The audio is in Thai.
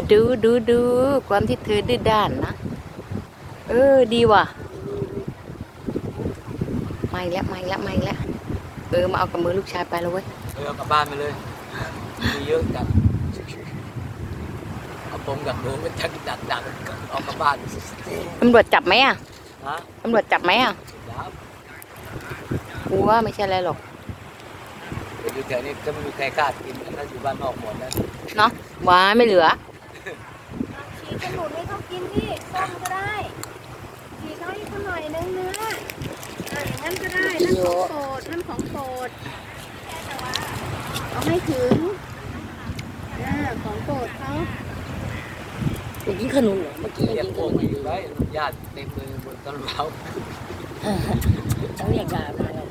ดูความที่เธอดื้อด้านนะดีว่ะไม่แล้วมาเอากับมือลูกชายไปแล้วเว้ยเอากลับบ้านไปเลยมีเยอะจัดเอาผมกับหนูไปดักเอากลับบ้านตำรวจจับไหมอ่ะฮะตำรวจจับไหมอ่ะกูว่าไม่ใช่อะไรหรอกอยู่แถวนี้ก็ไม่มีใครกล้ากินถ้าอยู่บ้านนอกหมดแล้วเนาะว้าไม่เหลือฉีกขนุนให้เขากินที่ส้มก็ได้ฉีกเขาให้เขาหน่อยนึงเนื้ออย่างนั้นก็ได้นั่นของโปรดเอาให้ถึงของโปรดเขากินขนุนเหรอเมื่อกี้เรียกกินพขวกนุนอยู่ไว้ญาติเต็มเลยบนต้นเราเขาเรียกยามาแล้ว